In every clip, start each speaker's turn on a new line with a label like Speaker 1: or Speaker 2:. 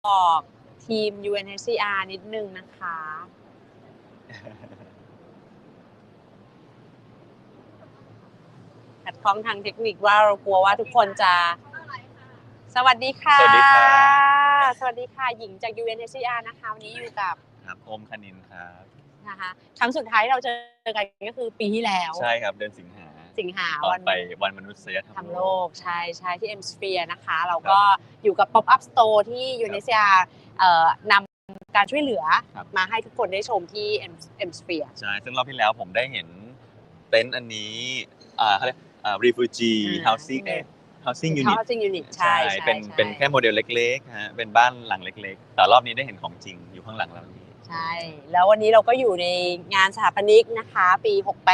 Speaker 1: บอกทีม UNHCR นิดนึงนะคะขัดข้องทางเทคนิคว่าเรากลัวว่าทุกคนจะสวัสดีค่ะ
Speaker 2: สวัสดีครับ
Speaker 1: สวัสดีค่ะหญิงจาก UNHCR นะคะวันนี้อยู่กับ
Speaker 2: ครับโอมคณินครับ
Speaker 1: นะคะครั้งสุดท้ายเราเจอกันก็คือปีที่แล้ว
Speaker 2: ใช่ครับเดือนสิงหาตอนไปวันมนุษยธรรมโลก
Speaker 1: ใช่ที่ M Sphere นะคะเราก็อยู่กับ Pop Up Store ที่ UNHCR นำการช่วยเหลือมาให้ทุกคนได้ชมที่ M Sphere
Speaker 2: ใช่ซึ่งรอบที่แล้วผมได้เห็นเต็นท์อันนี้เขาเรียกrefugee housing unit
Speaker 1: ใช่
Speaker 2: เป็นแค่โมเดลเล็กๆฮะเป็นบ้านหลังเล็กๆแต่รอบนี้ได้เห็นของจริงอยู่ข้างหลังเรานี้
Speaker 1: ใช่แล้ววันนี้เราก็อยู่ในงานสถาปนิกนะคะปี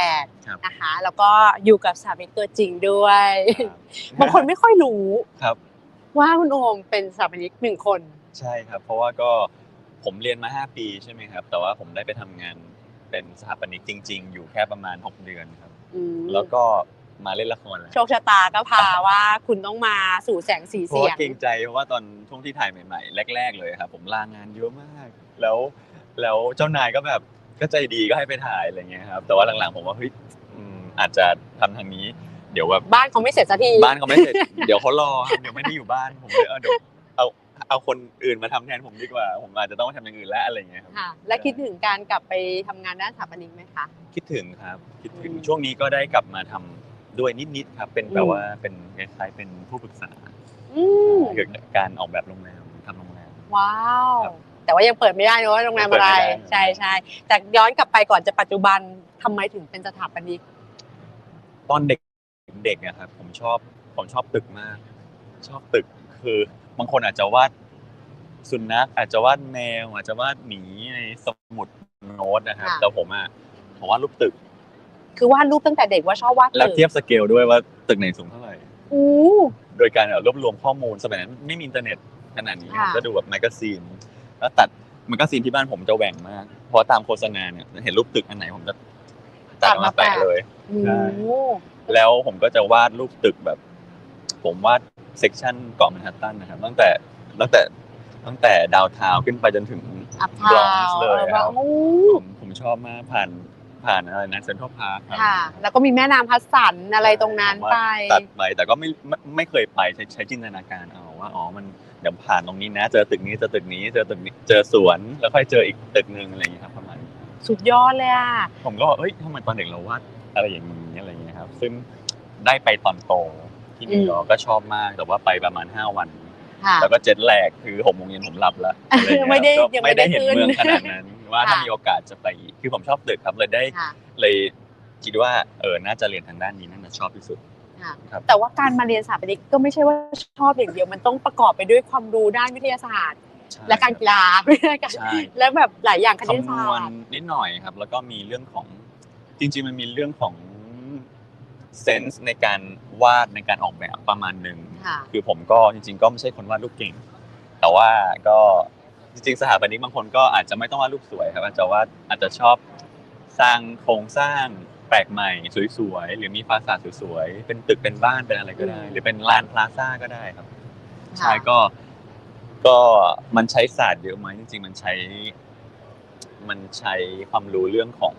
Speaker 1: 68นะคะแล้วก็อยู่กับสถาปนิกตัวจริงด้วยบางคนไม่ค่อยรู้ว่าคุณโอมเป็นสถาปนิก1 คน
Speaker 2: ใช่ครับเพราะว่าก็ผมเรียนมา5 ปีใช่ไหมครับแต่ว่าผมได้ไปทำงานเป็นสถาปนิกจริงๆอยู่แค่ประมาณ6 เดือนครับแล้วก็มาเล่นละครแล้ว
Speaker 1: โชคชะตาก็พาว่าคุณต้องมาสู่แสงสีเสียง
Speaker 2: เกรงใจเพราะว่าตอนช่วงที่ถ่ายใหม่ๆแรกๆเลยครับผมลางานเยอะมากแล้วเจ้านายก็แบบก็ใจดีก็ให้ไปถ่ายอะไรเงี้ยครับแต่ว่าหลังๆผมว่าเฮ้ยอาจจะทำทางนี้เดี๋ยวแบบ
Speaker 1: บ้านเขาไม่เสร็จสักที
Speaker 2: บ้านเขาไม่เสร็จเดี๋ยวเขารอเดี๋ยวไม่ได้อยู่บ้านผมเลยเดี๋ยวเอาคนอื่นมาทำแทนผมดีกว่าผมอาจจะต้องทำอย่างอื่นแล้วอะไรเงี้ยครับ
Speaker 1: และคิดถึงการกลับไปทำงานด้านสถาปนิกไหมคะ
Speaker 2: คิดถึงครับคิดถึงช่วงนี้ก็ได้กลับมาทำด้วยนิดๆครับเป็นแบบว่าเป็นคล้ายๆเป็นผู้ปรึกษาเกี่ยวกับการออกแบบโรงแรมทำโรงแรม
Speaker 1: ว้าวแต่ว่ายังเปิดไม่ได้นะว่าโรงแรมอะไรใช่แต่ย้อนกลับไปก่อนจะปัจจุบันทำไมถึงเป็นสถาปนิก
Speaker 2: ตอนเด็กนะครับผมชอบตึกมากชอบตึกคือบางคนอาจจะวาดสุนัขอาจจะวาดแมวอาจจะวาดหมีในสมุดโน้ตนะครับแต่ผมวาดรูปตึก
Speaker 1: คือวาดรูปตั้งแต่เด็กว่าชอบวาดตึก
Speaker 2: แล้วเทียบสเกลด้วยว่าตึกไหนสูงเท่าไหร่โดยการรวบรวมข้อมูลสมัยนั้นไม่มีอินเทอร์เน็ตขนาดนี้ก็ดูแบบแมกกาซีนแล้วตัดแมกกาซีนที่บ้านผมจะแหว่งมากเพราะตามโฆษณาเนี่ยเห็นรูปตึกอันไหนผมจะตัดมาแปะเลยแล้วผมก็จะวาดรูปตึกแบบผมวาดเซกชันเกาะแมนฮัตตันนะครับตั้งแต่ดาวน์ทาวน์ขึ้นไปจนถึงบรอนซ์เลยครับผมชอบมากผ่านอะไรนะเซ็นทรัลพาร์ค
Speaker 1: ค่ะแล้วก็มีแม่น้ำฮัดสันอะไรตรงนั้นไป
Speaker 2: ตัดไปแต่ก็ไม่เคยไปใช้จินตนาการเอาว่ามันเดี๋ยวผ่านตรงนี้นะเจอตึกนี้เจอตึกนี้เจอตึกนี้เจอสวนแล้วค่อยเจออีกตึกนึงอะไรอย่างเงี้ยครับประมาณ
Speaker 1: สุดยอดเลยอ่ะ
Speaker 2: ผมก็เอ้ยทำไมตอนเด็กเราวาดอะไรอย่างนี้อะไรอย่างเงี้ยครับซึ่งได้ไปตอนโตที่นิวยอร์กก็ชอบมากแต่ว่าไปประมาณ5 วันแล้วก็เจ็ตแลกคือ6 โมงเย็นผมหลับแล้ว
Speaker 1: ไม่ได้
Speaker 2: เห็นเมืองขนาดนั้นว่าถ้ามีโอกาสจะไปคือผมชอบตึกครับเลยคิดว่าน่าจะเรียนทางด้านนี้น่าจะชอบที่สุด
Speaker 1: แต่ว่าการมาเรียนสถาปนิกก็ไม่ใช่ว่าชอบอย่างเดียวมันต้องประกอบไปด้วยความรู้ด้านวิทยาศาสตร์และการกีฬาและแบบหลายอย่างคณิตศาสตร์
Speaker 2: นิดหน่อยครับแล้วก็มีเรื่องของจริงๆมันมีเรื่องของเซนส์ในการวาดในการออกแบบประมาณนึงคือผมก็จริงๆก็ไม่ใช่คนวาดรูปเก่งแต่ว่าก็จริงๆสถาปนิกบางคนก็อาจจะไม่ต้องวาดรูปสวยครับอาจจะชอบสร้างโครงสร้างแปลกใหม่สวยๆหรือมีฟาสาดสวยๆเป็นตึกเป็นบ้านเป็นอะไรก็ได้หรือเป็นลานพลาซ่าก็ได้ครับใช่ก็มันใช้ศาสตร์เยอะไหมจริงๆมันใช้ความรู้เรื่องของ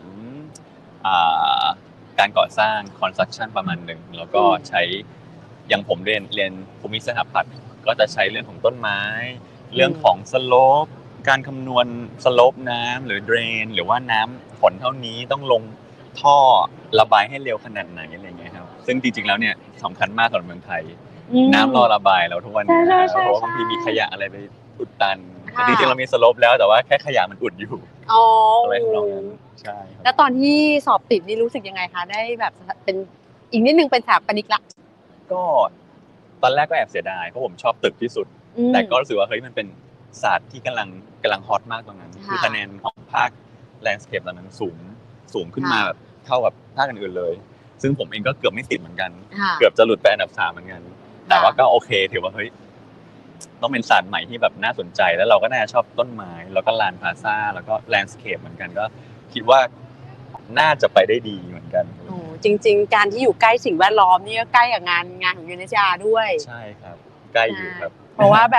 Speaker 2: การก่อสร้าง construction ประมาณหนึ่งแล้วก็ใช้อย่างผมเรียนภูมิสถาปัตย์ก็จะใช้เรื่องของต้นไม้เรื่องของสโลปการคำนวณสโลปน้ำหรือเดรนหรือว่าน้ำฝนเท่านี้ต้องลงท่อระบายให้เร็วขนาดไหนอะไรเงี้ยครับซึ่งจริงๆแล้วเนี่ยสำคัญมากสำหรับเมืองไทยน้ำรอระบายแล้วทุกวันนี้เพราะว่าบางทีมีขยะอะไรไปอุดตันจริงๆเรามีสโลปแล้วแต่ว่าแค่ขยะมันอุดอยู่อะไรของเราใช่
Speaker 1: แล้วตอนที่สอบติดนี่รู้สึกยังไงคะได้แบบเป็นอีกนิดนึงเป็นสถาปนิกละ
Speaker 2: ก็ตอนแรกก็แอบเสียดายเพราะผมชอบตึกที่สุดแต่ก็รู้สึกว่าเฮ้ยมันเป็นศาสตร์ที่กำลังฮอตมากตรงนั้นคือคะแนนของภาคแลนด์สเคปตอนนั้นสูงขึ้นมาแบบเท่ากับภาคอื่นๆเลยซึ่งผมเองก็เกือบไม่ติดเหมือนกันเกือบจะหลุดไปอันดับ3เหมือนกันแต่ว่าก็โอเคถือว่าเฮ้ยต้องเป็นศาสตร์ใหม่ที่แบบน่าสนใจแล้วเราก็น่าจะชอบต้นไม้แล้วก็ลานพลาซ่าแล้วก็แลนด์สเคปเหมือนกันก็คิดว่าน่าจะไปได้ดีเหมือนกัน
Speaker 1: จริงๆการที่อยู่ใกล้สิ่งแวดล้อมนี่ก็ใกล้กับงานของ UNHCR ด้วย
Speaker 2: ใช่ครับใกล้อยู่ครับ
Speaker 1: เพราะว่าแบบ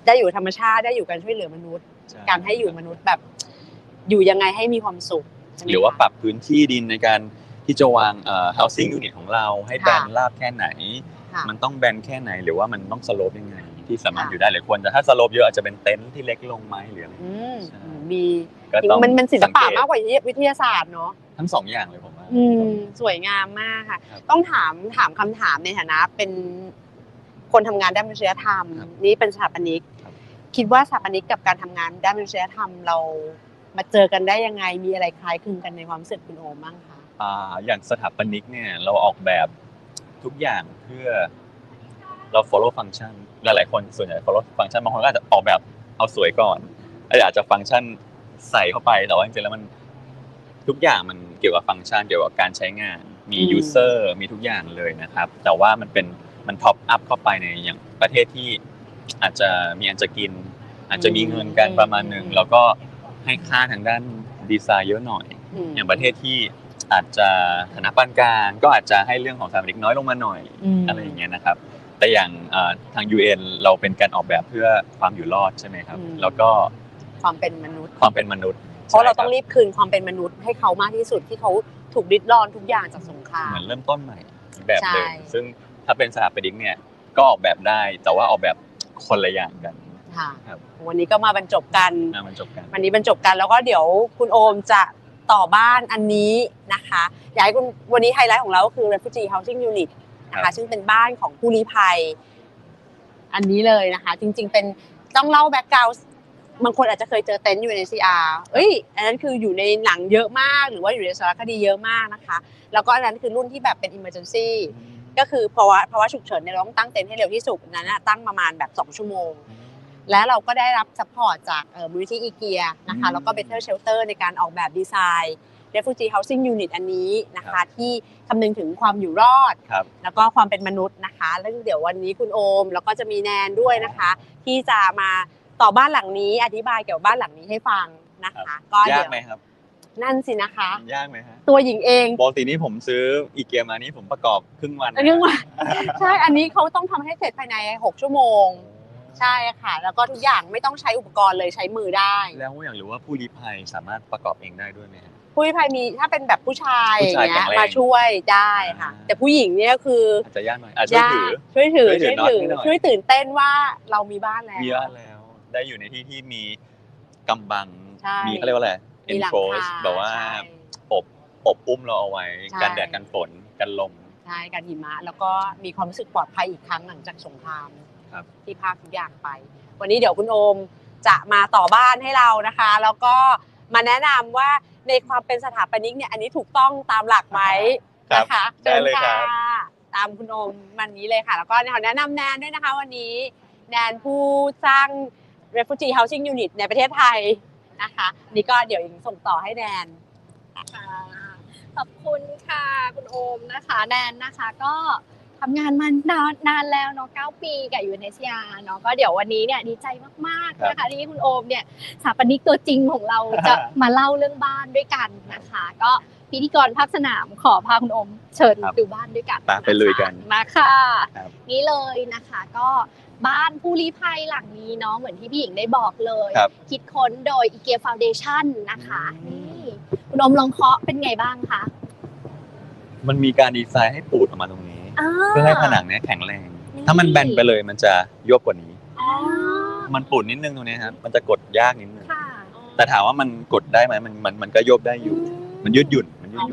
Speaker 1: ได้อยู่ธรรมชาติได้อยู่การช่วยเหลือมนุษย์การให้อยู่มนุษย์แบบอยู่ยังไงให้มีความสุข
Speaker 2: หรือว่าปรับพื้นที่ดินในการที่จะวางhousing unit ของเราให้แบนราบแค่ไหนมันต้องแบนแค่ไหนหรือว่ามันต้องสโลปยังไงที่สามารถอยู่ได้หรือควรจะถ้าสโลปเยอะอาจจะเป็นเต็นท์ที่เล็กลงไหมหรืออะไร
Speaker 1: มีมันศิลปะมากกว่าวิทยาศาสตร์เนาะ
Speaker 2: ทั้งสองอย่างเลยผมว่า
Speaker 1: สวยงามมากค่ะต้องถามคำถามในฐานะเป็นคนทำงานด้านมนุษยธรรมนี่เป็นสถาปนิกคิดว่าสถาปนิกกับการทำงานด้านมนุษยธรรมเรามาเจอกันได้ยังไงมีอะไรคล้ายคลึงกันในความรู้สึกคุณโอมบ้างคะ
Speaker 2: อย่างสถาปนิกเนี่ยเราออกแบบทุกอย่างเพื่อเรา follow function หลายๆคนส่วนใหญ่ follow function บางคนก็อาจจะออกแบบเอาสวยก่อนอาจจะฟังก์ชันใส่เข้าไปแต่ว่าจริงๆแล้วมันทุกอย่างมันเกี่ยวกับฟังก์ชันเกี่ยวกับการใช้งานมี user มีทุกอย่างเลยนะครับแต่ว่ามันท็อปอัพเข้าไปในอย่างประเทศที่อาจจะมีอันจะกินอาจจะมีเงินกันประมาณนึงแล้วก็ให้ค่าทางด้านดีไซน์เยอะหน่อยอย่างประเทศที่อาจจะฐานะปานกลางก็อาจจะให้เรื่องของสถาปนิกน้อยลงมาหน่อยอะไรอย่างเงี้ยนะครับแต่อย่างทาง UN เราเป็นการออกแบบเพื่อความอยู่รอดใช่ไหมครับแล้วก็
Speaker 1: ความเป็นมนุษย์
Speaker 2: เพ
Speaker 1: ราะเราต้องรีบคืนความเป็นมนุษย์ให้เขามากที่สุดที่เขาถูกริดรอนทุกอย่างจากสงคราม
Speaker 2: เหมือนเริ่มต้นใหม่แบบเดิมซึ่งถ้าเป็นสถาปนิกเนี่ยก็ออกแบบได้แต่ว่าออกแบบคนละอย่างกัน
Speaker 1: ค่ะวันนี้ก็มาบรรจบกันวันนี้บรรจบกันแล้วก็เดี๋ยวคุณโอมจะต่อบ้านอันนี้นะคะอยากให้คุณวันนี้ไฮไลท์ของเราก็คือ Refugee Housing Unit นะคะซึ่งเป็นบ้านของผู้ลี้ภัยอันนี้เลยนะคะจริงๆเป็นต้องเล่าแบ็คกราวด์บางคนอาจจะเคยเจอเต็นท์ UNHCR อันนั้นคืออยู่ในหนังเยอะมากหรือว่าอยู่ในสารคดีเยอะมากนะคะแล้วก็อันนั้นคือรุ่นที่แบบเป็น emergency ก็คือเพราะว่าฉุกเฉินเนี่ยเราต้องตั้งเต็นท์ให้เร็วที่สุดนั้นตั้งประมาณแบบ2ชั่วโมงและเราก็ได้รับซัพพอร์ตจากมูลนิธิอีเกียนะคะแล้วก็ Better Shelter ในการออกแบบดีไซน์ Refugee Housing Unit อันนี้นะคะที่คำนึงถึงความอยู่รอดแล้วก็ความเป็นมนุษย์นะคะแล้วเดี๋ยววันนี้คุณโอมแล้วก็จะมีแนนด้วยนะคะที่จะมาต่อบ้านหลังนี้อธิบายเกี่ยวกับบ้านหลังนี้ให้ฟังนะคะ
Speaker 2: ก็ยากไหมครับ
Speaker 1: นั่นสินะคะ
Speaker 2: ยากไหมฮะ
Speaker 1: ตัวหญิงเอง
Speaker 2: ปกตินี่ผมซื้ออีเกียมานี่ผมประกอบครึ่งวัน
Speaker 1: ใช่อันนี้เขาต้องทำให้เสร็จภายใน6ชั่วโมงใช่ค่ะแล้วก็ทุกอย่างไม่ต้องใช้อุปกรณ์เลยใช้มือได้
Speaker 2: แล้วอยากรู้ว่าผู้ลี้ภัยสามารถประกอบเองได้ด้วยไหม
Speaker 1: ผู้ลี้ภัยมีถ้าเป็นแบบผู้ชายอย่างเงี้ยมาช่วยได้ค่ะแต่ผู้หญิงเนี่ยคือ
Speaker 2: อาจจะยากหน่อยช่วย
Speaker 1: ตื่นเต้นว่าเรามีบ้านแล้ว
Speaker 2: ได้อยู่ในที่ที่มีกำบังมีเขาเรียกว่าอะไรenclose แบบว่าอบอุ้มเราเอาไว้กันแดดกันฝนกันลม
Speaker 1: ใช่กันหิมะแล้วก็มีความรู้สึกปลอดภัยอีกครั้งหลังจากสงครามที่ภาคทุกอย่างไปวันนี้เดี๋ยวคุณโอมจะมาต่อบ้านให้เรานะคะแล้วก็มาแนะนำว่าในความเป็นสถาปนิกเนี่ยอันนี้ถูกต้องตามหลักไหมนะคะ
Speaker 2: เชิญค่ะ
Speaker 1: ตามคุณโอมวันนี้เลยค่ะแล้วก็แนะนำแนนด้วยนะคะวันนี้แนนผู้สร้าง Refugee Housing Unit ในประเทศไทยนะคะนี่ก็เดี๋ยวส่งต่อให้แนน
Speaker 3: ขอบคุณค่ะคุณโอมนะคะแนนนะคะก็ทำงานมานานแล้วเนาะ9 ปีกับ UNHCR เนาะก็เดี๋ยววันนี้เนี่ยดีใจมากๆนะคะที่คุณโอมเนี่ยสถาปนิกตัวจริงของเราจะมาเล่าเรื่องบ้านด้วยกันนะคะก็พิธีกรภาคสนามขอพาคุณโอมเชิญดูบ้านด้วยกัน
Speaker 2: ไปเลยกัน
Speaker 3: มาค่ะนี่เลยนะคะก็บ้านผู้ลี้ภัยหลังนี้เนาะเหมือนที่พี่หญิงได้บอกเลยคิดค้นโดย IKEA Foundation นะคะนี่คุณโอมลองเคาะเป็นไงบ้างคะ
Speaker 2: มันมีการดีไซน์ให้ปูดออกมาตรงนี้เพื่อให้ผนังนี้แข็งแรงถ้ามันแบนไปเลยมันจะยบกว่านี้มันปูดนิดนึงตรงนี้ครับมันจะกดยากนิดนึงแต่ถามว่ามันกดได้ไหมมันก็ยบได้อยู่มันยืดหยุ่น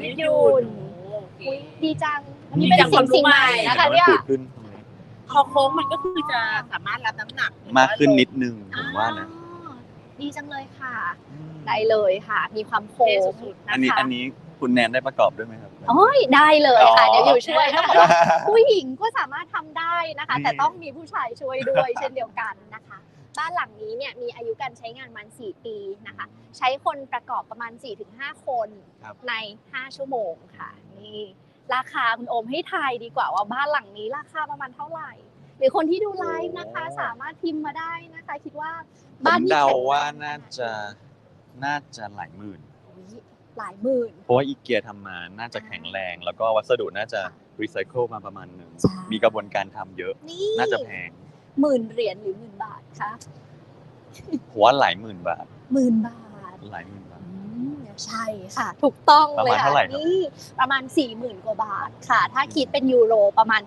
Speaker 3: ดีจังนี่เป็นสิ่งใหม่นะคะเนี่ย
Speaker 1: คอโค้งมันก็คือจะสามารถรับน้ำหนัก
Speaker 2: มากขึ้นนิดนึงผมว่านะ
Speaker 3: ดีจังเลยค่ะได้เลยค่ะมีความโค้ง
Speaker 2: อันนี้คุณแนนได้ประกอบด้วยไหมครับ
Speaker 3: โอ้ยได้เลยค่ะเดี๋ยวอยู่ช่วยต้องบอกว่าผู้หญิงก็สามารถทำได้นะคะแต่ต้องมีผู้ชายช่วยด้วยเช่นเดียวกันนะคะบ้านหลังนี้เนี่ยมีอายุการใช้งานประมาณ4 ปีนะคะใช้คนประกอบประมาณ 4-5 คนใน5ชั่วโมงค่ะนี่ราคาคุณโอมให้ทายดีกว่าว่าบ้านหลังนี้ราคาประมาณเท่าไหร่หรือคนที่ดูไลฟ์นะคะสามารถพิมพ์มาได้นะคะคิดว่า
Speaker 2: บ้านนี้เดาว่าน่าจะหลายหมื่นเพราะว่าอีเกียทำมาน่าจะแข็งแรงแล้วก็วัสดุน่าจะรีไซเคิลมาประมาณนึงมีกระบวนการทำเยอะน่าจะแพง
Speaker 3: 10,000 เหรียญหรือ10,000 บาทคะ
Speaker 2: ผมว่าหลายหมื่นบาท
Speaker 3: 10,000 บาท
Speaker 2: หลายหมื่นบาท
Speaker 3: ใช่ค่ะถูกต้อง
Speaker 2: ประ
Speaker 3: เล
Speaker 2: มาณ
Speaker 3: ย
Speaker 2: เท่า
Speaker 3: ค่ะ
Speaker 2: ไหร่ครับ
Speaker 3: นี่ประมาณ 40,000 กว่าบาทค่ะ ถ้าคิดเป็นยูโรประมาณ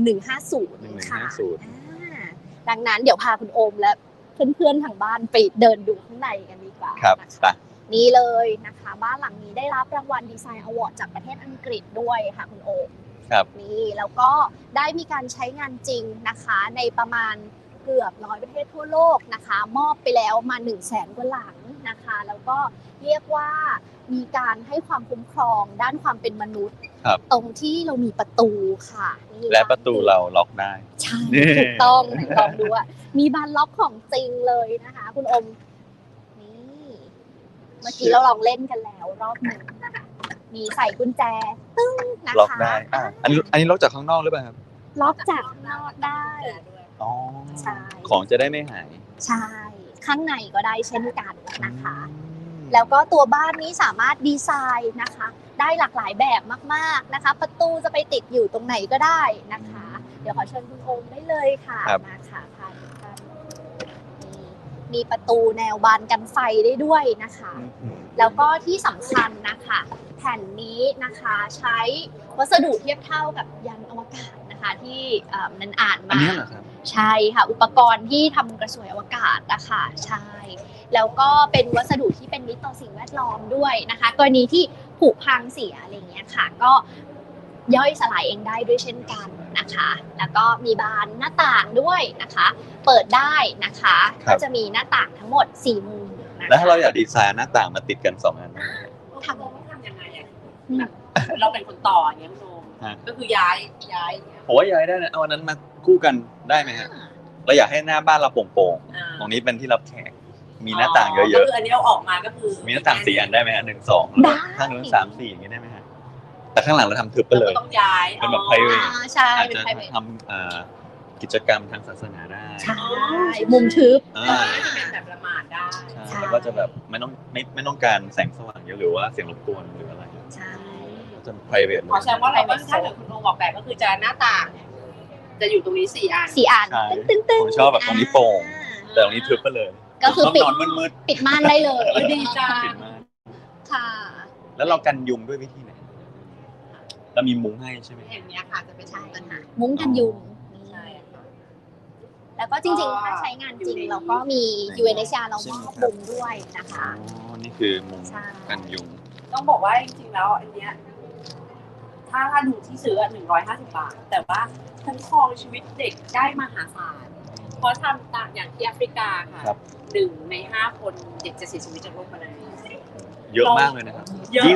Speaker 3: 1150 ค่ะ ดังนั้นเดี๋ยวพาคุณโอมและเพื่อนๆทางบ้านไปเดินดูข้างในกันดีกว่า
Speaker 2: ครับ
Speaker 3: นะ
Speaker 2: ไป
Speaker 3: คะนี่เลยนะคะบ้านหลังนี้ได้รับรางวัลดีไซน์อวอร์ดจากประเทศอังกฤษด้วยค่ะคุณโอม
Speaker 2: ครับ
Speaker 3: นี่แล้วก็ได้มีการใช้งานจริงนะคะในประมาณเกือบ100 ประเทศทั่วโลกนะคะมอบไปแล้วมา 100,000 กว่าหลังนะคะแล้วก็เรียกว่ามีการให้ความคุ้มครองด้านความเป็นมนุษย์
Speaker 2: ครับ
Speaker 3: ตรงที่เรามีประตูค่ะนี่
Speaker 2: และประตูเราล็อกได้
Speaker 3: ใช่
Speaker 2: นี่
Speaker 3: ถูกต้องไหนลองดูว่ามีบานล็อกของจริงเลยนะคะคุณอมนี่เมื่อกี้เราลองเล่นกันแล้วรอบหนึ่งมีใส่กุญแจตึ้งนะคะ
Speaker 2: ล็อกได้อันนี้ล็อกจากข้างนอกหรือเปล่าครับ
Speaker 3: ล็อกจากข้างนอกได้
Speaker 2: อ๋อ
Speaker 3: ใช่
Speaker 2: ของจะได้ไม่หาย
Speaker 3: ใช่ข้างในก็ได้เช่นกันนะคะ แล้วก็ตัวบ้านนี้สามารถดีไซน์นะคะ ได้หลากหลายแบบมากๆนะคะ ประตูจะไปติดอยู่ตรงไหนก็ได้นะคะ เดี๋ยวขอเชิญคุณโอมได้เลยค่ะ
Speaker 2: ครับ
Speaker 3: มาค่ะพาทุกท่านมีประตูแนวบานกันไฟได้ด้วยนะคะ แล้วก็ที่สำคัญนะคะแผ่นนี้นะคะใช้วัสดุเทียบเท่ากับยานอวกาศนะคะที่นันอ่าน
Speaker 2: อัน
Speaker 3: มา
Speaker 2: นี้เหรอครับ
Speaker 3: ใช่ค่ะอุปกรณ์ที่ทำกระสวยอวกาศนะคะใช่แล้วก็เป็นวัสดุที่เป็นมิตรต่อสิ่งแวดล้อมด้วยนะคะกรณีที่ผุพังเสียอะไรอย่างเงี้ยค่ะก็ย่อยสลายเองได้ด้วยเช่นกันนะคะ แล้วก็มีบานหน้าต่างด้วยนะคะ เปิดได้นะคะ
Speaker 2: ครั
Speaker 3: ก็
Speaker 2: บ
Speaker 3: จะมีหน้าต่างทั้งหมด4 มุมนะคะ
Speaker 2: แล้วถ้าเราอยากดีไซน์หน้าต่างมาติดกัน2 อันได้ไหม
Speaker 1: ทำยังไงอ่ะแบบเราเป็นคนต่ออย่างเงี้ยคุณโอม
Speaker 2: ฮะ
Speaker 1: ก็คือย้ายอย่างเงี้ย
Speaker 2: ผมว่าย้ายได้นะเอาอันนั้นมาคู่กันได้ไหมฮะเราอยากให้หน้าบ้านเราโปร่งๆตรงนี้เป็นที่รับแขกมีหน้าต่างเย
Speaker 1: ก็
Speaker 2: อะ
Speaker 1: คืออันนี้เอาออกมาก็คือ
Speaker 2: ๆมีหน้าต่าง4 อันได้ไหมฮะ1 2
Speaker 3: ได้
Speaker 2: ข้างนู้น3 4อย่างนี้ได้ไหมฮะแต่ข้างหลังเราทำทึบไป
Speaker 1: เรา
Speaker 2: เลย
Speaker 1: ก็ต้องย้าย
Speaker 2: เป็นแบบ private
Speaker 3: ใช่
Speaker 2: อาจ
Speaker 3: เป็น
Speaker 2: จะ
Speaker 3: private
Speaker 2: ทำกิจกรรมทางศาสนาได้
Speaker 3: ใช่มุมทึบ
Speaker 2: อ่า
Speaker 1: จะเป็นแบบละหมาดได้
Speaker 2: ใช่แล้วก็จะแบบไม่ต้องการแสงสว่างเยอะหรือว่าเสียงรบกวนหรืออะไร
Speaker 3: ใช่
Speaker 2: จะ private เล
Speaker 1: ขอย แสดงว่าเราก็ถ้าเกิดคุณโอมบอกแบบก็คือจะหน้าต่างเนี่ยจะอยู่ตรงนี้4 อัน
Speaker 3: 4 อัน
Speaker 2: ใช่
Speaker 3: ตึ้งตึ้ง
Speaker 2: ผมชอบแบบตรงนี้โปร่ง แต่ตรงนี้ทึบไปเลย
Speaker 3: ก็คือปิด
Speaker 2: นอนมืด
Speaker 3: ปิดม่านได้เลย
Speaker 1: ดีจัง
Speaker 2: ๆปิดมาก
Speaker 3: ค่ะ
Speaker 2: แล้วเรากันยุงด้วยวิธีไหนเรามีมุ้งให้ใช่ไหม
Speaker 1: อย่างเนี้ยค่ะจะเป็น
Speaker 3: ใช่
Speaker 1: ปัญหา
Speaker 3: มุ้งกันยุง
Speaker 1: ใช่ค่ะ
Speaker 3: แล้วก็จริงๆ ถ้าใช้งานจริงเราก็มี UNHCR เรามอบมุ้งด้วยนะคะ
Speaker 2: อ๋อนี่คือมุ้ง
Speaker 3: ใช่
Speaker 2: กันยุง
Speaker 1: ต้องบอกว่าจริงๆแล้วอันเนี้ยถ้าดูที่ซื้อ150 บาท แต่ว่าคุ้มครองชีวิตเด็กได้มหาศาลเพราะทำตามอย่างที่แอฟริกาค่ะ
Speaker 2: ครับ
Speaker 1: 1 ใน 5 คนเด็กจะเสียชีวิตจากโรคมาลาเรีย
Speaker 2: เยอะมากเลยนะครับ
Speaker 1: เยอะมาก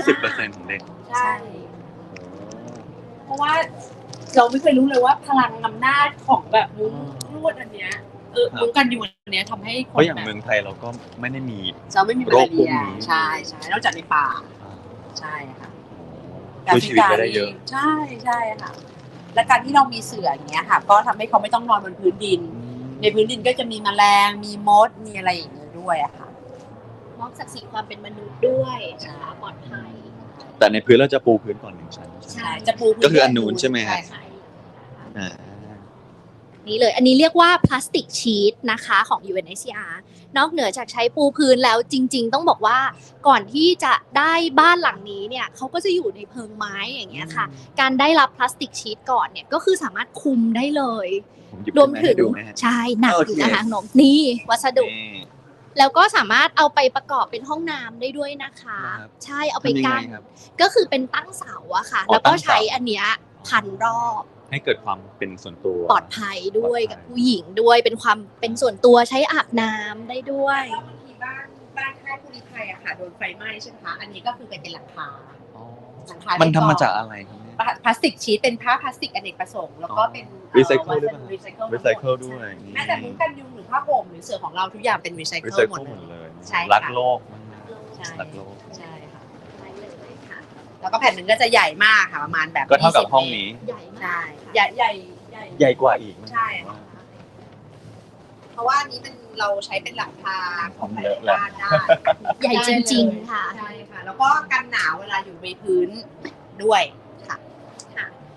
Speaker 2: 20%ของเด็ก
Speaker 1: ใช่ เพราะว่าเราไม่เคยรู้เลยว่าพลังอำนาจของแบบมุ้งลวดอันเนี้ยมุ้งกันยุงอันเนี้ยทำให้ค
Speaker 2: เพ
Speaker 1: น
Speaker 2: ราะอย่าง
Speaker 1: แบบ
Speaker 2: เมืองไทยเราก็ไม่ได้มี
Speaker 1: จะไม่มีมา
Speaker 2: โร
Speaker 1: ลา
Speaker 2: คพว
Speaker 1: เรี
Speaker 2: ก
Speaker 1: ย
Speaker 2: นี้
Speaker 1: ใช่ใช่นอกจากในป่าใช่ค่ะ
Speaker 2: ช่วยชีวิตไปได้เยอะ
Speaker 1: ใช่ใช่ค่ะ และการที่เรามีเสื่ออย่างเงี้ยค่ะ ก็ทำให้เขาไม่ต้องนอนบนพื้นดิน ในพื้นดินก็จะมีแมลงมีมดมีอะไรอย่างเงี้ยด้วยอะค่ะ
Speaker 3: มอบศักดิ์ศรีความเป็นมนุษย์ด้วยนะคะปลอดภัย
Speaker 2: แต่ในพื้นเราจะปูพื้นก่อน1 ชั้น
Speaker 1: ใช่จะปูพื้
Speaker 2: ก็คืออันนู้นใช่ไหมฮะ
Speaker 1: ใช่ค่ะ
Speaker 2: อ่า
Speaker 3: นี่เลยอันนี้เรียกว่าพลาสติกชีทนะคะของ UNHCR นอกเหนือจากใช้ปูพื้นแล้วจริงๆ ต้องบอกว่าก่อนที่จะได้บ้านหลังนี้เนี่ยเขาก็จะอยู่ในเพิงไม้อย่างเงี้ยค่ะ การได้รับพลาสติกชีทก่อนเนี่ยก็คือสามารถคุมได้เลย
Speaker 2: ผมหยิบ
Speaker 3: รวมถึง
Speaker 2: ให้ดูไหมฮะ
Speaker 3: ใช่หนัก
Speaker 2: โอ
Speaker 3: อ
Speaker 2: เค
Speaker 3: ยู่นะคะขนมนี่วัสดุ
Speaker 2: นี่
Speaker 3: แล้วก็สามารถเอาไปประกอบเป็นห้องน้ำได้ด้วยนะคะ
Speaker 2: ครับ
Speaker 3: ใช่เอาไป
Speaker 2: ทำยังไง
Speaker 3: กั้น
Speaker 2: ครับ
Speaker 3: ก็คือเป็นตั้งเสาอะค่ะ
Speaker 2: อ๋อ
Speaker 3: แล้วก็
Speaker 2: ตั้งเสา
Speaker 3: ใช้อันเนี้ยพันรอบ
Speaker 2: ให้เกิดความเป็นส่วนตัว
Speaker 3: ปลอดภัยด้วย
Speaker 2: ปลอดภัย
Speaker 3: กับผู้หญิงด้วยเป็นความเป็นส่วนตัวใช้อาบน้ำได้ด้วย
Speaker 1: แล้วบางทีบ้านค่ายผู้ลี้ภัยอะค่ะโดนไฟไหม้ใช่ไหมคะอันนี้ก็คือเป็นหลังคา
Speaker 2: อ๋อ
Speaker 1: หลังคา
Speaker 2: มันทำมาจากอะไรครับเนี่ย
Speaker 1: พลาสติกชีทเป็นผ้าพลาสติกอเนกประสงค์แล้วก็เป็น
Speaker 2: Recycle ด้วยป่ะ
Speaker 1: รีไซเคิล
Speaker 2: รีไซเคิลด้วย
Speaker 1: แม้แต่มุ้งกันยุงหรือผ้าห่มหรือเสื่อของเราทุกอย่างเป็นรีไซ
Speaker 2: รี
Speaker 1: เคิล
Speaker 2: ไซ
Speaker 1: หม
Speaker 2: เคิ
Speaker 1: ด
Speaker 2: ลหมด
Speaker 1: เล
Speaker 2: เลย ย
Speaker 1: ใช่ค่ะ
Speaker 2: รักโลกมาก
Speaker 1: ใช่
Speaker 2: ๆรักโลก
Speaker 1: ใช่ค่ะ
Speaker 3: ได้เลยค่ะ
Speaker 1: แล้วก็แผ่นหนึ่งก็จะใหญ่มากค่ะประมาณแบบ
Speaker 2: ก็เท่ากับ
Speaker 1: 20
Speaker 2: ห้องนี้
Speaker 3: ใหญ่มาก
Speaker 1: ใช่
Speaker 3: ค่ะ
Speaker 1: ใหญ่ใหญ่
Speaker 2: ใหญ่กว่าอีก
Speaker 1: ใช่ค่ะเพราะว่าอันนี้เป็นเราใช้เป็นหลังคาของหลายๆบ้านได้
Speaker 3: ใหญ่จริงๆค่ะ
Speaker 1: ใช่ค่ะ แล้วก็กันหนาวเวลาอยู่บนพื้นด้วยค่ะ
Speaker 3: ค่ะ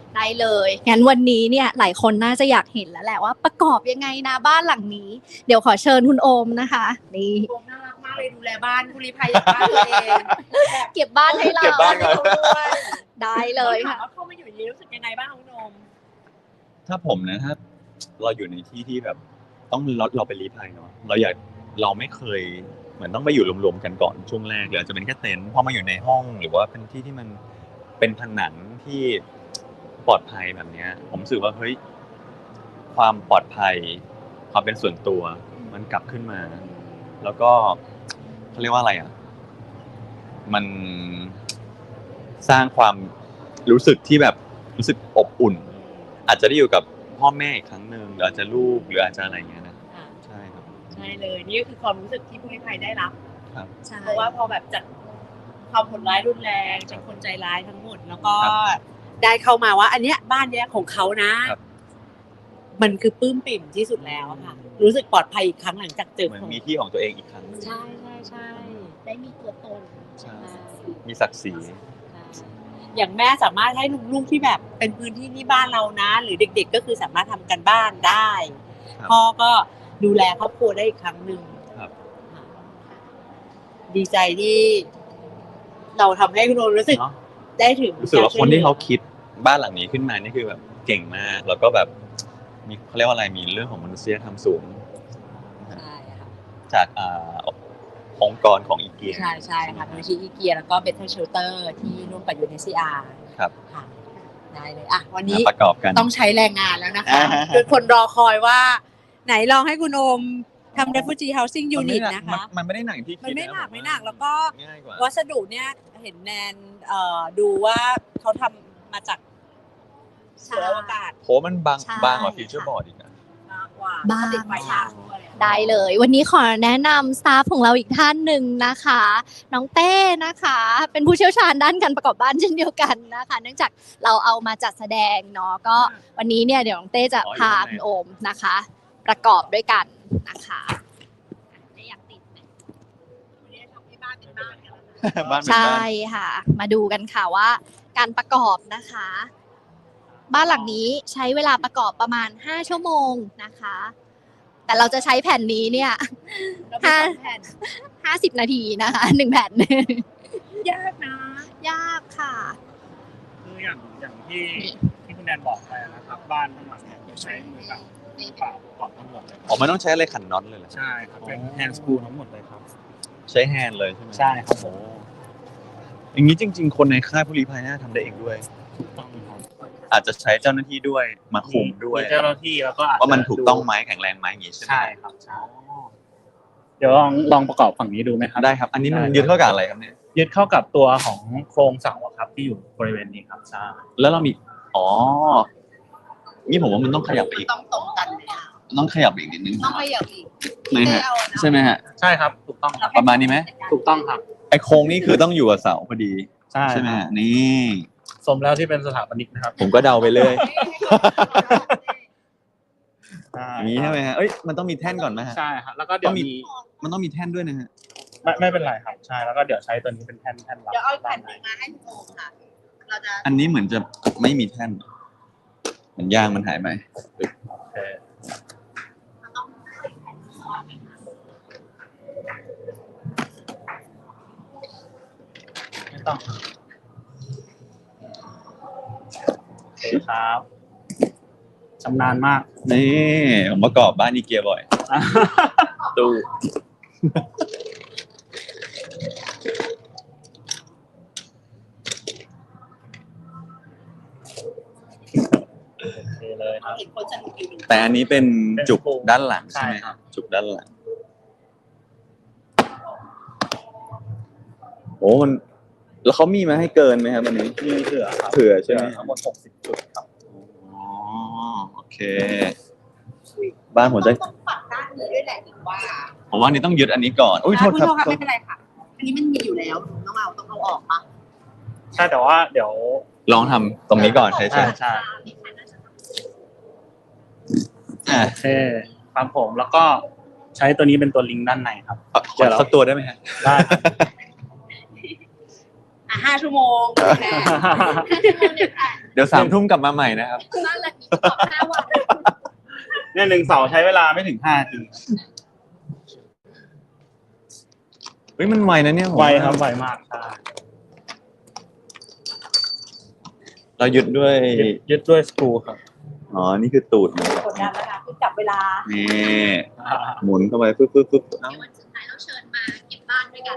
Speaker 3: ได้เลยงั้นวันนี้เนี่ยหลายคนน่าจะอยากเห็นแล้วแหละว่าประกอบยังไงนะบ้านหลังนี้เดี๋ยวขอเชิญคุณโอมนะคะนี่
Speaker 1: โอมน่ารักมากเลยดูแลบ้านผู้ลี้ภัยอย่างบ้านตัวเอง
Speaker 3: เก็บบ้านให้เรา
Speaker 2: เก็บบ้านก่อน
Speaker 3: ได้เลยค่ะ
Speaker 1: ถามว่าเข้ามาอยู่อย่างนี้รู้สึกยังไงบ้างคุณโอม
Speaker 2: ถ้าผมนะถ้าเราอยู่ในที่ที่แบบต้องเราไปลี้ภัยเนาะเราไม่เคยเหมือนต้องไปอยู่รวมๆกันก่อนช่วงแรกหรืออาจจะเป็นแค่เต็นท์พอมาอยู่ในห้องหรือว่าเป็นที่ที่มันเป็นผนังที่ปลอดภัยแบบเนี้ย ผมรู้สึกว่าเฮ้ยความปลอดภัย ความเป็นส่วนตัวมันกลับขึ้นมา แล้วก็เขาเรียกว่าอะไรอ่ะมันสร้างความรู้สึกที่แบบรู้สึกอบอุ่น อาจจะได้อยู่กับพ่อแม่อีกครั้งหนึ่งหรืออาจจะลูกหรืออาจจะอะไรอย่างเงี้ยนะใช่ครับ
Speaker 1: ใช่เลยนี่ก็คือความรู้สึกที่ผู้ลี้ภัยได้รับ
Speaker 2: ครับ
Speaker 3: ใช่
Speaker 1: เพราะว่าพอแบบจากความโหดร้ายรุนแรงเป็นคนใจร้ายทั้งหมด แล้วก็ได้เข้ามาว่า อันเนี้ยบ้านเนี้ยของเขานะ มันคือปลื้มปิ่มที่สุดแล้วค่ะ รู้สึกปลอดภัยอีกครั้งหลังจากเจอ
Speaker 2: เหมือนมีที่ของตัวเองอีกครั้งหนึ่ง
Speaker 1: ใช่ใช่ใช่
Speaker 3: ได้มีตัวตน
Speaker 2: ใช่มีศักดิ์ศรี
Speaker 1: อย่างแม่สามารถให้ลูกๆที่แบบเป็นพื้นที่ที่บ้านเรานะ หรือเด็ก ๆ ก็คือสามารถทำกันบ้านได้ พ่อก็ดูแลครอบครัวได้อีกครั้งหนึ่ง
Speaker 2: ครับ
Speaker 1: ดีใจที่เราทำให้คุณโอรู้สึก
Speaker 2: เนาะ
Speaker 1: ได้ถึง
Speaker 2: รู้สึกว่าคนที่เขาคิดบ้านหลังนี้ขึ้นมานี่คือแบบเก่งมาก แล้วก็แบบมีเขาเรียกว่าอะไรมีเรื่องของมนุษยธรรมสูง
Speaker 1: ใช่ค่ะ
Speaker 2: จากองค์กรของอีเกีย
Speaker 1: ใช่ใช่ค่ะมูลนิธิอีเกียแล้วก็เบทเทิลเชลเตอร์ที่ร่วมกับ UNHCR
Speaker 2: ครับ
Speaker 1: ค่ะได้เลยอ่ะวันนี้
Speaker 2: มาประกอบกัน
Speaker 1: ต้องใช้แรงงานแล้วนะคะ
Speaker 2: อ่า
Speaker 1: คือคนรอคอยว่า ไหนลองให้คุณโอมทำ refugee housing unit นะคะ
Speaker 2: มันไม่ได้หนักที่คิด
Speaker 1: มันไม่หนัก
Speaker 2: ะ
Speaker 1: ไม่หนักแล้วก็
Speaker 2: ง่ายกว่า
Speaker 1: วัสดุเนี่ยเห็นแนนดูว่าเขาทำมาจากเสืออวกาศ
Speaker 2: โหมันบาง
Speaker 3: ใช่
Speaker 2: บางกว่าฟิวเจอร์บอร์ดอีกนะ
Speaker 1: มากกว่า
Speaker 3: บ้าง
Speaker 1: ติดไฟฉายด้วย
Speaker 3: ได้เลย วันนี้ขอแนะนำสตาฟของเราอีกท่านหนึ่งนะคะ น้องเต้นะคะ เป็นผู้เชี่ยวชาญด้านการประกอบบ้านเช่นเดียวกันนะคะ เนื่องจากเราเอามาจัดแสดงเนาะก็วันนี้เนี่ยเดี๋ยวน้องเต้จะพาคุณโอมนะคะ ประกอบด้วยกันนะคะไม่อยากติดไหม
Speaker 1: วันนี้ทำให้บ้านเป็นบ้านกันแล้วนะ
Speaker 2: บ้านเป็น
Speaker 3: ใช่
Speaker 2: บ้าน
Speaker 3: ค่ะ มาดูกันค่ะว่าการประกอบนะคะ บ้านหลังนี้ใช้เวลาประกอบประมาณ5 ชั่วโมงนะคะ แต่เราจะใช้แผ่นนี้เนี่ย
Speaker 1: เราเป็นสองแผ่น
Speaker 3: 50 นาทีนะคะ1 แผ่น
Speaker 1: ยากนะ
Speaker 3: ยากค่ะ
Speaker 4: คืออย่างที่คุณแนนบอกไปนะครับ บ้านทั้งหมดเนี่ยใช้มือแบบมือเปล่าประกอบทั้งหมดเลย
Speaker 2: อ๋อมันต้องใช้อะไรขันน็อตเลยเหรอ
Speaker 4: ใช่ครับเป็นแฮนด์สกรูทั้งหมดเลยครับ
Speaker 2: ใช้แฮนด์เลยใช่ไหม
Speaker 4: ใช่ครับผม
Speaker 2: อย่างนี้จริง ๆ คนในค่ายผู้ลี้ภัยน่าทำได้เองด้วย
Speaker 4: ถูกต้องครับ
Speaker 2: อาจจะใช้เจ้าหน้าที่ด้วยมาคุมด้วย
Speaker 4: มีเจ้าหน้าที่แล้วก็อาจจะ
Speaker 2: ว่ามันถูกต้องไหมแข็งแรงไหมอย่างนี้ใช่ไหม
Speaker 4: ใช่ครับใช่เดี๋ยวลองประกอบฝั่งนี้ดูไหมครับ
Speaker 2: ได้ครับ อันนี้มันยึดเข้ากับอะไรครับเนี่ย
Speaker 4: ยึดเข้ากับตัวของโครงเสาอะครับที่อยู่บริเวณนี้ครับใช่
Speaker 2: แล้วเรามีอ๋อนี่ผมว่ามันต้องขยับไปอีก
Speaker 1: ต้องตรงกันเลยอะ
Speaker 2: ต้องขยับอีกนิดนึง
Speaker 1: ต้องขยับอีก
Speaker 2: ไหมฮะใช่ไหมฮะ
Speaker 4: ใช่ครับถูกต้องครับ
Speaker 2: ประมาณนี้ไหม
Speaker 4: ถูกต้องครับ
Speaker 2: ไอโครงนี่คือต้องอยู่กับเสาพอดี
Speaker 4: ใช่
Speaker 2: ไหม
Speaker 4: ครับ
Speaker 2: ฮะนี่
Speaker 4: สมแล้วที่เป็นสถาปนิกนะครับ
Speaker 2: ผมก็เดาไปเลย
Speaker 4: ใช่
Speaker 2: อย่างนี้ใช่ไหมฮะเอ้ยมันต้องมีแท่นก่อนไหมฮะ
Speaker 4: ใช่ครับแล้วก็เดี๋ยวมี
Speaker 2: มันต้องมีแท่นด้วยนะฮะ
Speaker 4: ไม่เป็นไรครับใช่แล้วก็เดี๋ยวใช้ตัวนี้เป็นแท่นรับ
Speaker 1: เดี๋ยวเอาอีกแผ่นหนึ่งมาให้คุณโอมค่ะ เราจะ
Speaker 2: อันนี้เหมือนจะไม่มีแท่นเหมือนยางมันหายไป
Speaker 4: โอเคไม่ต้องโอเคครับชำนาญมาก
Speaker 2: นี่ผมประกอบบ้านอีเกียบ่อย ตู้
Speaker 4: โอเคเลยครับ
Speaker 1: เห็นคนสนุกอยู่หนึ่ง
Speaker 2: แต่อันนี้เป็นจุก
Speaker 4: เป็น
Speaker 2: ด้านหลัง
Speaker 4: ใช่
Speaker 2: ใช่ไหม
Speaker 4: ครับ
Speaker 2: จุกด้านหลังโอ้มันแล้วเขามีมาให้เกินไหมครับอันนี้
Speaker 4: มีเผื่อครับ
Speaker 2: เผื่อใช่ไหม
Speaker 4: ทั้งหมด60 จุดครับ
Speaker 2: อ๋อโอเค บ้านผมจะ
Speaker 1: ต้องปัดด้านนี้ด้วยแหละถึงว่า
Speaker 2: ผมว่าอันนี้ต้องยึดอันนี้ก่อนอุ้ยโทษครับ
Speaker 1: ณโอไม่เป็นไรค่ะ อันนี้มันมีอยู่แล้วต้องเอาออกปะ
Speaker 4: ใช่แต่ว่าเดี๋ยว
Speaker 2: ลองทำตรงนี้ก่อนใช่
Speaker 4: ใช่โอเคครับผมแล้วก็ใช้ตัวนี้เป็นตัวลิงก์ด้านในครับ
Speaker 2: ขอสักตัวได้ไหมฮะ
Speaker 4: ได้ครับ
Speaker 1: 5 ชั่วโมงแน่
Speaker 2: เดี๋ยว3 ทุ่มกลับมาใหม่นะครับ
Speaker 3: บ้านหลังนี้ประกอบ5 วัน
Speaker 4: เนี่ย1 เสาใช้เวลาไม่ถึง5 นาที
Speaker 2: เฮ้ยมันไวนะเนี่ยผม
Speaker 4: ไวครับไวมากใช่
Speaker 2: เรายึดด้วย
Speaker 4: ยึดด้วยสกรูครับ
Speaker 2: อ๋อนี่คือตูดมัน
Speaker 1: กดดันนะคะคือจับเวลา
Speaker 2: นี่หมุนเข้าไปปึ๊บปึ๊บปึ๊บเอ้า
Speaker 3: ในวันสุดท้ายเราเชิญมาเก็บบ้านด้วยกัน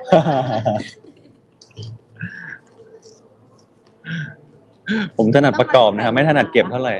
Speaker 2: ผมถนัดประกอบนะครับไม่ถนัดเก็บเท่าไหร่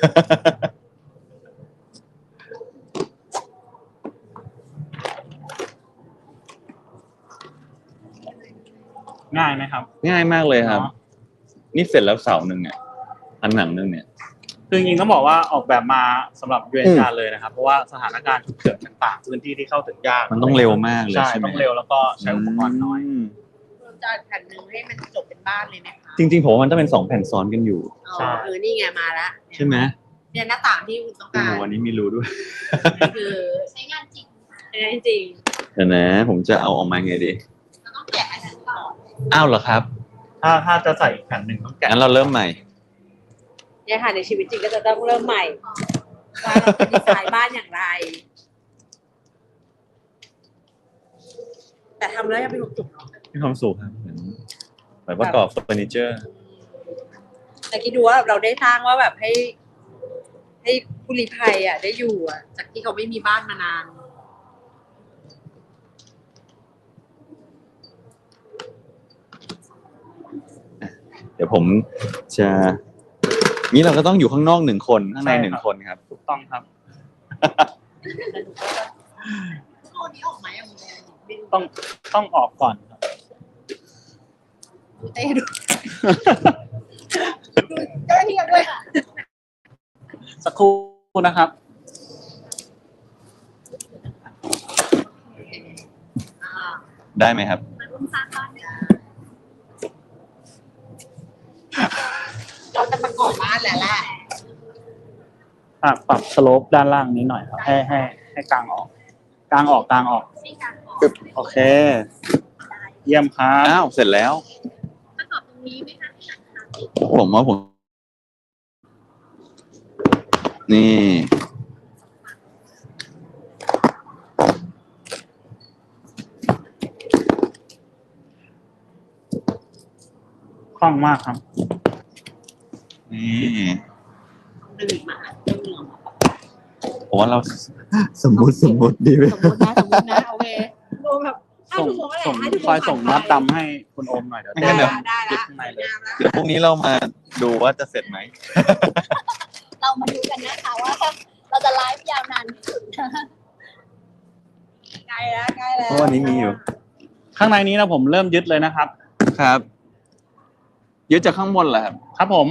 Speaker 4: ง่ายไหมครับ
Speaker 2: ง่ายมากเลยครับ
Speaker 4: เนาะ
Speaker 2: นี่เสร็จแล้วเสาหนึ่งเนี่ยอันหนังหนึ่งเนี่ย
Speaker 4: คือจริงๆต้องบอกว่าออกแบบมาสำหรับยูเอ็นการเลยนะครับเพราะว่าสถานการณ์ฉุกเฉินต่างๆพื้นที่ที่เข้าถึงยาก
Speaker 2: มันต้องเร็วมากเลย
Speaker 4: ใช่
Speaker 2: ใช่ไหม
Speaker 4: ต้องเร็วแล้วก็ใช้อุปกรณ์น้อย
Speaker 2: ม
Speaker 1: เราจะแผ่นหนึ่งให้มันจบเป็นบ้านเลยไหมคะ
Speaker 2: จริงๆผมว่ามันต้องเป็น2 แผ่นซ้อนกันอยู่
Speaker 4: ใช่
Speaker 1: นี่ไงมาละ
Speaker 2: ใช่ไหม
Speaker 1: เนี่ยหน้าต่างที่คุณต้อง
Speaker 2: โอ้
Speaker 1: กา
Speaker 2: โห
Speaker 1: ร
Speaker 2: วันนี้มีรูด้วย
Speaker 1: คือ
Speaker 3: ใช้งานจริง
Speaker 1: จริง
Speaker 2: เดี๋ยวนะ ผมจะเอาออกมาไงดี
Speaker 3: เราต้องแกะอันนั้นก่อน
Speaker 2: อ้าวเหรอครับ
Speaker 4: ถ้าจะใส่อีกแผ่นหนึ่งต้องแกะ
Speaker 2: งั้นเราเริ่มใหม่
Speaker 1: เนี่ยค่ะในชีวิตจริงก็จะต้องเริ่มใหม่ว่าเราจะดีไซน์บ้านอย่างไร แต่ทำแล้วยังเป็นจุกๆเนาะ
Speaker 2: มีความสุขครับเหมือนประกอบเฟอร์นิเจอร์
Speaker 1: แต่คิดดูว่าเราได้สร้างว่าแบบให้ผู้ลี้ภัยอ่ะได้อยู่อ่ะ จากที่เขาไม่มีบ้านมานาน
Speaker 2: เดี๋ยวผมจะนี้เราก็ต้องอยู่ข้างนอก1 คนข้างใน1 คนครับ
Speaker 4: ถูกต้องครับ
Speaker 1: ตัวนี้ออกไหมอ่ะคุณแม่
Speaker 4: ต้องออกก่อนครับ
Speaker 1: ดูเต้ดูเจ้าหน้าที่กันด้วย
Speaker 4: สักครู่นะครับ
Speaker 2: ได้ไหมครับ
Speaker 3: มาร่วมสร้างบ้านด้วยกัน
Speaker 1: เราจะประกอบบ้านแหละ
Speaker 4: ปรับสโลปด้านล่างนี้หน่อยครับให้กลางออกกลางออก
Speaker 3: ให้การออก
Speaker 4: โอเค เยี่ยมครับ
Speaker 2: อ้าวเสร็จแล้ว
Speaker 3: ประกอบตรงนี้ไหมคะที่หลังคาติด
Speaker 2: ผมว่าผม นี่
Speaker 4: คล่องมากครับ
Speaker 2: นี่
Speaker 1: หนึ่งมาเรื่องเหลือง
Speaker 2: ผมว่าเราสมมุติดีไหม
Speaker 1: สมมตินะโอเคดูแบบ5 ชั่วโมงอะไร
Speaker 4: ส่ง
Speaker 1: 5 ชั่วโมง
Speaker 4: คอยส่งมัดดำให้คุณโอมหน่อยเดี๋ยว
Speaker 1: ได้
Speaker 2: งั้นเดี๋ยว
Speaker 1: ละได้
Speaker 4: ยึด
Speaker 1: ละ
Speaker 4: ข้างในเลย
Speaker 1: งามละ
Speaker 2: เดี๋ยวพรุ่งนี้เรามาดูว่าจะเสร็จไหม
Speaker 3: เรามาดูกันนะคะว่าเราจะไลฟ์ยาวนานที่สุดนะ
Speaker 1: ใกล้แล้ว
Speaker 2: เพราะวันนี้มีอยู่
Speaker 4: ข้างในนี้นะผมเริ่มยึดเลยนะครับ
Speaker 2: ครับ ยึดจากข้างบนเหรอครับ
Speaker 4: ครับผม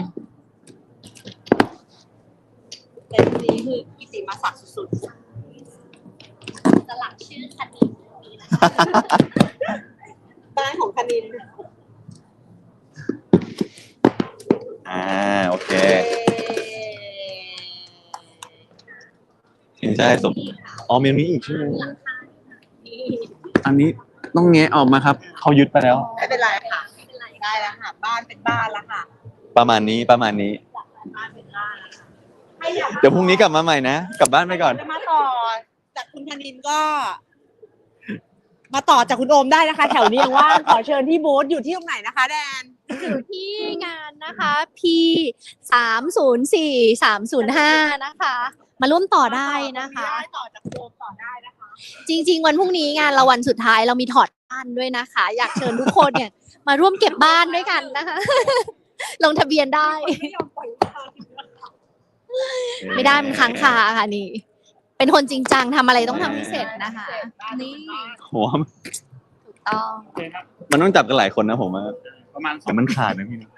Speaker 1: แต่ทีนี้คือกิติมาศักดิ์สุด
Speaker 3: สลักชื่อคดีนี้นะ
Speaker 1: ๆบ้านของคณิน
Speaker 2: โอเคถึงจะให้สมอ๋อมีนี้อีกใช่ไหม
Speaker 3: หลังคานี่
Speaker 2: อันนี้ต้องแงะออกมาครับ เขายึดไปแล้ว
Speaker 1: ไม่เป็นไรค่ะ
Speaker 3: ไม่เป็นไร
Speaker 1: ได้แล้วค่ะ บ้านเป็นบ้านแล้วค่ะ
Speaker 2: ประมาณนี้
Speaker 1: บ้านเป็นบ้านแล้วค่ะให้อยาก
Speaker 2: เดี๋ยวพรุ่งนี้กลับมาใหม่นะ กลับบ้านไปก่อน
Speaker 1: จะมาต่อจากคุณธนินก็ มาต่อจากคุณโอมได้นะคะ แถวนี้ยังว่างขอเชิญที่บูธอยู่ที่ตรงไหนนะคะแดน
Speaker 3: อยู่ที่งานนะคะ P304305 นะคะ มาร่วมต่อได้นะคะ
Speaker 1: ได้ต่อจากคุณโอมต่อได้นะคะ
Speaker 3: จริง ๆ วันพรุ่งนี้งานเราวันสุดท้ายเรามีถอดบ้านด้วยนะคะ อยากเชิญทุกคนเนี่ย มาร่วมเก็บบ้านด้วยกันนะคะ ลงทะเบียนได้
Speaker 1: ไม่ยอมปล่อยมือ
Speaker 3: ไม่ได้มันค้างคาค่ะนี่ เป็นคนจริงจังทำอะไรต้องทำให้เสร็จนะคะ นี่
Speaker 2: หัว
Speaker 3: ถูกต้อง
Speaker 4: โอเคครับ
Speaker 2: มันต้องจับกันหลายคนนะผมว่า
Speaker 4: ประมาณ
Speaker 2: เดี๋ยวมันขาดนะพี่นะ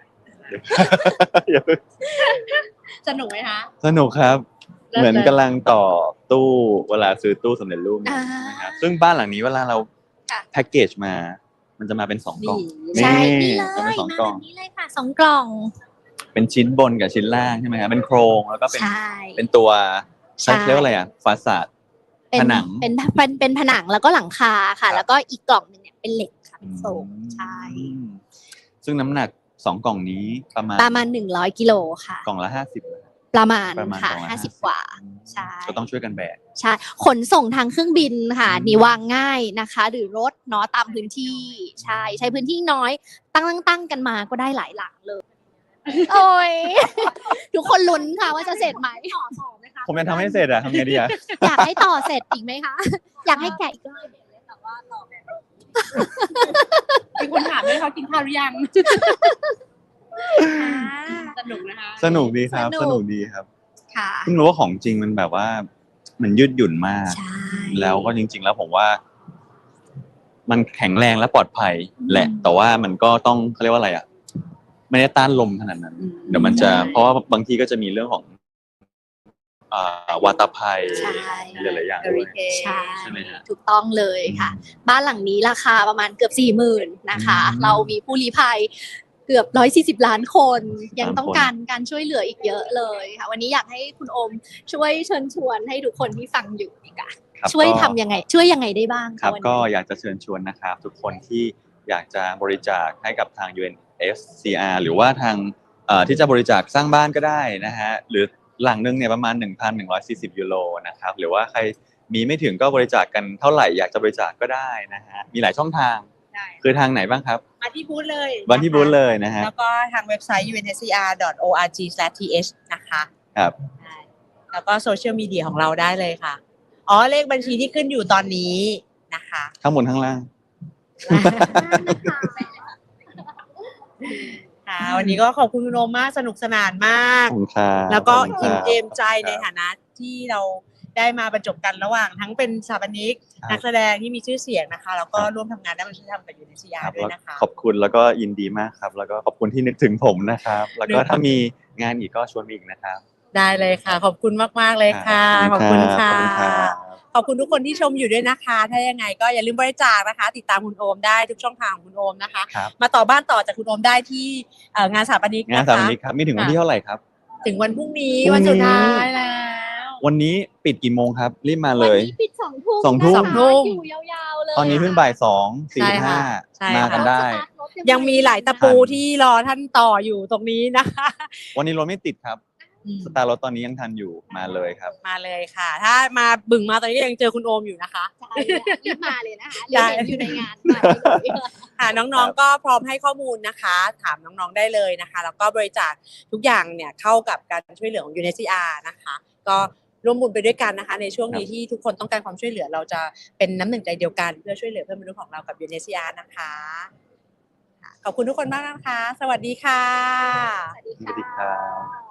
Speaker 1: สนุกไหมคะ
Speaker 2: สนุกครับ
Speaker 1: เลิศ
Speaker 2: เหมือนกำลังต่อตู้เวลาซื้อตู้สำเร็จรูปเนี่ย
Speaker 3: อ่า
Speaker 2: นะครับซึ่งบ้านหลังนี้เวลาเรา
Speaker 3: ค่ะ
Speaker 2: แพ็กเกจมา มันจะมาเป็น2 กล่อง
Speaker 3: ใช่นี่เลย
Speaker 2: จะเป็น
Speaker 3: มา
Speaker 2: 2 ก
Speaker 3: แบ
Speaker 2: ล่อง
Speaker 3: บนี้เลยค่ะ2 กล่อง
Speaker 2: เป็นชิ้นบนกับชิ้นล่างใช่ไหมครับเป็นโครงแล้วก็เป็น
Speaker 3: ใช่
Speaker 2: เป็นตัว
Speaker 3: ใช่
Speaker 2: เรียกว่าอะไรอ่ะฟาสาด
Speaker 3: เป็น
Speaker 2: ผนัง
Speaker 3: เป็นผนังแล้วก็หลังคา
Speaker 2: ครั
Speaker 3: ค่ะ
Speaker 2: บ
Speaker 3: แล้วก็อีกกล่องหนึ่งเนี่ยเป็นเหล็กค่ะเป็นโฟมใช่
Speaker 2: อืมซึ่งน้ำหนัก2กล่องนี้ประมาณ
Speaker 3: 100กิโลค่ะ
Speaker 2: กล่องละ50
Speaker 3: ประมาณ
Speaker 2: ประมาณ
Speaker 3: ค่ะ
Speaker 2: กล่องละ
Speaker 3: 50 กว่าใช่
Speaker 2: ก็ต้องช่วยกันแบก
Speaker 3: ใช่ขนส่งทางเครื่องบินค่ะนี่วางง่ายนะคะ หรือรถเนาะตามพื้นที่ใช้พื้นที่น้อยตั้งกันมาก็ได้หลายหลังเลยโอ้ย ทุกคนลุ้นค่ะว่าจะเสร็จไหมต่อไหมคะ
Speaker 2: ผมยังทำให้เสร็จอะทำไงดีอะ
Speaker 3: อยากให้ต่อเสร็จอีกไหมคะ อยากให้แกะอีกรอบแต่ว่าต่อแบบ
Speaker 1: มีคนถามด้วยเขากินข้าวหรือยังสนุกนะคะ
Speaker 2: สนุกดีครับ
Speaker 3: สนุก
Speaker 2: สนุกดีครับ
Speaker 3: ค่ะ
Speaker 2: เพิ่งรู้ว่าของจริงมันแบบว่า มันยืดหยุ่นมาก
Speaker 3: ใช่
Speaker 2: แล้วก็จริง ๆ แล้วผมว่า มันแข็งแรงและปลอดภัยแหละ แต่ว่ามันก็ต้องเขาเรียกว่าอะไรอ่ะ ไม่ได้ต้านลมขนาดนั้น เดี๋ยวมันจะ เพราะว่าบางทีก็จะมีเรื่องของวาตภัย
Speaker 3: ใช่
Speaker 2: หลายๆอย่างด้วย
Speaker 3: ใช่
Speaker 2: ใช่ไหมฮะ
Speaker 3: ถูกต้องเลยค่ะ บ้านหลังนี้ราคาประมาณเกือบ 40,000 นะคะ เรามีผู้ลี้ภัยเกือบ140 ล้านคน ยังต้องการช่วยเหลืออีกเยอะเลยค่ะ วันนี้อยากให้คุณโอมช่วยเชิญชวนให้ทุกคนที่ฟังอยู่ดีกว่า
Speaker 2: ครับ
Speaker 3: ช่วย
Speaker 2: ก็
Speaker 3: ทำยังไง ช่วยยังไงได้บ้าง
Speaker 2: ครั
Speaker 3: ะ
Speaker 2: บ
Speaker 3: วัน
Speaker 2: ก็
Speaker 3: นี้
Speaker 2: อยากจะเชิญชวนนะครับ ทุกคนที่อยากจะบริจาคให้กับทาง UNSCR หรือว่าทางที่จะบริจาคสร้างบ้านก็ได้นะฮะหรือหลังนึงเนี่ยประมาณ 1,140 ยูโรนะครับหรือว่าใครมีไม่ถึงก็บริจาคกันเท่าไหร่อยากจะบริจาคก็ได้นะฮะมีหลายช่องทาง
Speaker 1: ได้
Speaker 2: คือทางไหนบ้างครับ
Speaker 1: มาที่บูธเลย
Speaker 2: วันที่บูธเลยนะฮะ
Speaker 1: แล้วก็ทางเว็บไซต์ unscr.org/th นะคะ
Speaker 2: ครับ
Speaker 1: ได้แล้วก็โซเชียลมีเดียของเราได้เลยค่ะอ๋อเลขบัญชีที่ขึ้นอยู่ตอนนี้นะคะ
Speaker 2: ข้างบนข้างล่าง
Speaker 1: ค่ะวันนี้ก็ขอบคุณคุณโอมมากสนุกสนานมาก
Speaker 2: ขอบคุณครับ
Speaker 1: แล้วก็
Speaker 2: ขอบคุณ
Speaker 1: อิ่ม
Speaker 2: ครับ
Speaker 1: เอมใจในฐานะที่เราได้มาบรรจบกันระหว่างทั้งเป็นสถาปนิก
Speaker 2: ครับ
Speaker 1: นักแสดงที่มีชื่อเสียงนะคะแล้วก็
Speaker 2: ครับ
Speaker 1: ร่วมทำงานด้านวัฒนธรรมกับยูเนสยา
Speaker 2: ครับ
Speaker 1: ด้วย
Speaker 2: แล้ว
Speaker 1: นะคะ
Speaker 2: ขอบคุณแล้วก็ยินดีมากครับ แล้วก็ขอบคุณที่นึกถึงผมนะครับ แล้วก็ถ้ามีงานอีกก็ชวนมาอีกนะครับ
Speaker 1: ได้เลยค่ะ ขอบคุณมากๆเลยค่ะ ขอบคุณค่ะ
Speaker 2: ขอบคุณครับ
Speaker 1: ขอบคุณทุกคนที่ชมอยู่ด้วยนะคะ ถ้ายังไงก็อย่าลืมบริจาคนะคะ ติดตามคุณโอมได้ทุกช่องทางของคุณโอมนะคะ
Speaker 2: ครับ
Speaker 1: มาต่อบ้านต่อจากคุณโอมได้ที่งานสถาปนิก
Speaker 2: งาน
Speaker 1: นะ
Speaker 2: สถาป
Speaker 1: คะ
Speaker 2: นิกครับมีถึงวันที่เท่าไหร่ครับ
Speaker 1: ถึงวันพรุ่งนี้
Speaker 2: พรุ่งนี้
Speaker 1: วันสุดท้ายแล้ว
Speaker 2: วันนี้ปิดกี่โมงครับ รีบมาเล
Speaker 3: วัน
Speaker 2: ย
Speaker 3: นี้ปิด2 ทุ่ม
Speaker 2: 2 ทุ่ม
Speaker 3: นะคะอยู่ยาวๆเลย
Speaker 2: ตอนนี้เพิ่งบ่าย2:45
Speaker 1: ใช่
Speaker 2: มา
Speaker 1: ค่ะ
Speaker 2: กันได้
Speaker 1: ยังมีหลายตะปูที่รอท่านต่ออยู่ตรงนี้นะคะ
Speaker 2: วันนี้รถไม่ติดครับ สตาร์รถตอนนี้ยังทันอยู่มาเลยครับ
Speaker 1: มาเลยค่ะ ถ้ามาบึ่งมาตอนนี้ก็ยังเจอคุณโอมอยู่นะคะ
Speaker 3: ใช่รีบมาเลยนะคะเดี๋ยวเห็นอยู่ในงานมาเลย
Speaker 1: ค่ะน้องๆก็พร้อมให้ข้อมูลนะคะ ถามน้องๆได้เลยนะคะ แล้วก็บริจาคทุกอย่างเนี่ยเข้ากับการช่วยเหลือของ UNHCR นะคะ ก็ร่วมบุญไปด้วยกันนะคะ ในช่วงนี้ที่ทุกคนต้องการความช่วยเหลือเราจะเป็นน้ำหนึ่งใจเดียวกันเพื่อช่วยเหลือเพื่อนมนุษย์ของเรากับ UNHCR นะคะขอบคุณทุกคนมากนะคะ สวัสดีค่ะ
Speaker 3: สวัสดี
Speaker 2: สวัสดีครับ
Speaker 3: ค่ะ